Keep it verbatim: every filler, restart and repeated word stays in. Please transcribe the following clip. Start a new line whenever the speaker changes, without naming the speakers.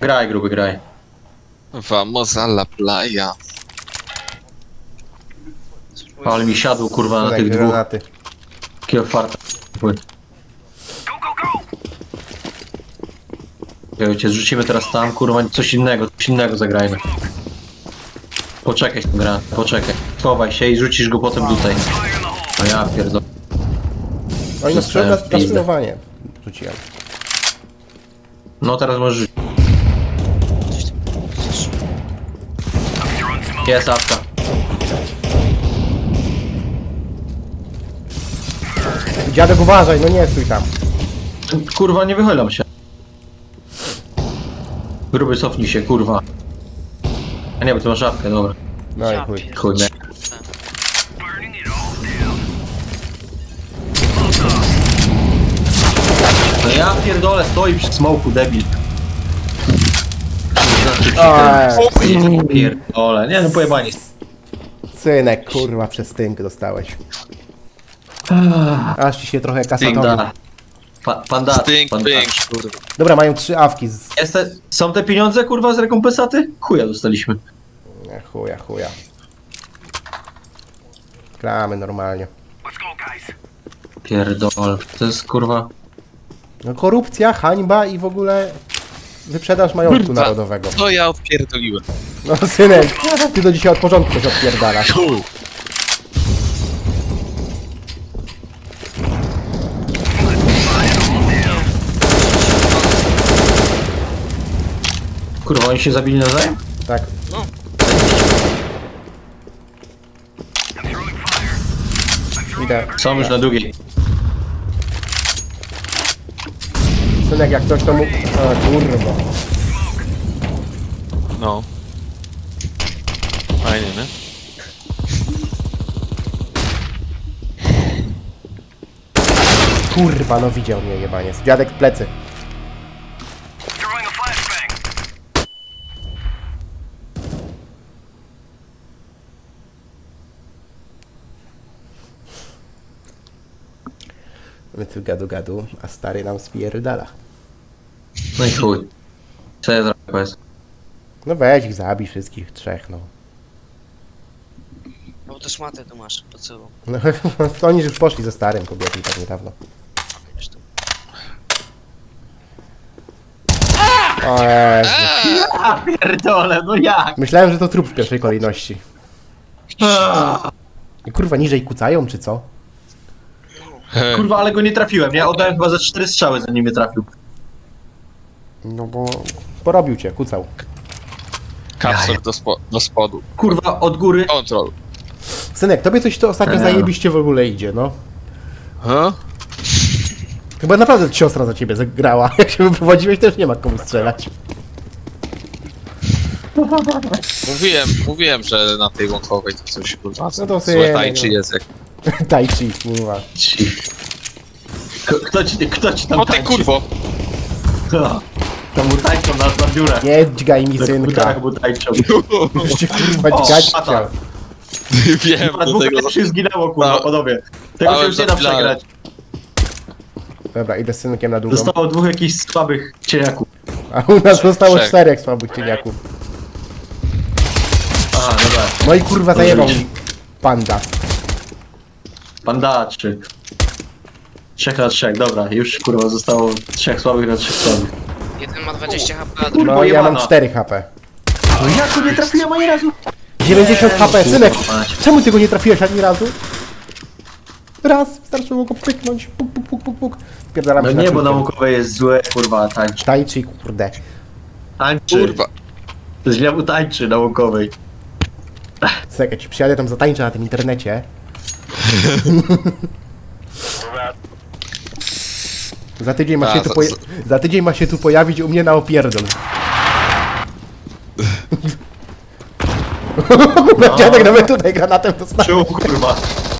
Graj, gruby, graj.
Vamos a la playa.
Ale mi siadł, kurwa, na
Synek,
tych dwóch.
granaty.
Takiego farta. Cię zrzucimy teraz tam, kurwa, coś innego, coś innego zagrajmy. Poczekaj z tą grę, poczekaj. Chowaj się i rzucisz go potem tutaj. No ja pierdolę.
Oni nas
Dostałem
na
w pizdę.
naszynowanie rzuciłem.
No teraz możesz rzucić. Jest apka.
Dziadek, uważaj, no nie stój tam.
Kurwa, nie wychylam się. Gruby, cofnij się, kurwa. A nie, bo ty masz apkę, dobra.
No i
Ja
chuj.
pierdolę.
Chuj, nie. No ja pierdolę, stoi przy smoku, debil.
Oj.
Pierdolę, nie no pojebani.
Synek, kurwa, przez tynk dostałeś. Aż ci się trochę kasatowi.
Panda. Pa, panda.
Stink,
panda.
pink, kurwa.
Dobra, mają trzy awki z...
Jest te, są te pieniądze, kurwa, z rekompensaty? Chuja dostaliśmy.
Nie, chuja, chuja. Gramy normalnie.
Pierdolę, to jest kurwa...
No korupcja, hańba i w ogóle wyprzedaż majątku
Kurwa.
narodowego.
To ja odpierdoliłem.
No synek, ty do dzisiaj od porządku coś odpierdalasz.
Chuj.
Kurwa, oni się zabili nawzajem?
Tak.
No.
Idę.
Są już na długiej.
Synek, jak coś to mu... O kurwa.
No. Fajnie, nie?
Kurwa, no widział mnie jebaniec. Dziadek w plecy. My tu gadu gadu, a stary nam spierdala.
No i chuj. Co ja zrobię, powiedz?
No weź ich, zabij wszystkich trzech, no.
No bo to szmatę tu masz, po co?
No oni już poszli ze starym kobietą tak niedawno.
Wiesz to.
O Jezu.
A pierdolę, no jak?
Myślałem, że to trup w pierwszej kolejności. I kurwa, niżej kucają, czy co?
Kurwa, ale go nie trafiłem, nie? Oddałem chyba za cztery strzały, zanim mnie trafił.
No bo... Porobił cię, kucał.
Kapsel do, spo do spodu.
Kurwa, od góry.
Kontrol.
Synek, tobie coś to ostatnio
Eee.
zajebiście w ogóle idzie, no.
Huh?
Chyba naprawdę siostra za ciebie zagrała. Jak się wyprowadziłeś, też nie ma komu strzelać.
Mówiłem, mówiłem, że na tej łąkowej to coś kurwa.
No to
Złe
synek,
tańczy
no.
jest jak...
Tai chi, kurwa.
Ci. K- Kto ci, kto ci tam
O ty
tańczy?
kurwo!
To mu tańczą na, na biurach.
Nie dźgaj mi
Na
synka.
komputerach mu tańczą.
Już cię kurwa
O,
dźgać
szata.
chciał.
Wiem,
A
do
dwóch
tego...
też już zginęło, kurwa,
No.
panowie. Tego się
Dałem
już nie da
zapilane.
przegrać.
Dobra, idę z synkiem na długą.
Zostało dwóch jakichś słabych cieniaków.
A u nas zostało
Trzech.
czterech słabych cieniaków.
Aha, dobra.
No i kurwa zajebał mi panda.
Pandaczy. Trzech na trzech, dobra. Już kurwa zostało trzech słabych na trzech słabych.
Jeden ma dwadzieścia H P, a drugi...
No ja mam
jebana.
cztery H P.
No jak go nie trafiłem ani razu?
dziewięćdziesiąt H P, synek!
Kurwa mać.
Czemu ty go nie trafiłeś ani razu? Raz, wystarczyło go pyknąć, puk, puk, puk, puk, puk. Spierdalam
No
się
nie,
na
bo
czwórkę.
naukowe jest złe, kurwa, tańczy.
Tai chi, kurde.
Tańczy.
Kurwa.
To źle mu tańczy naukowej.
Synek, ja ci przyjadę tam zatańczę na tym internecie. Za tydzień ma
A,
się tu
za-
poja- za tydzień ma się tu pojawić u mnie na opierdol. Kurwa, dziadek nawet tutaj granatem dostał.
Czuł, kurwa.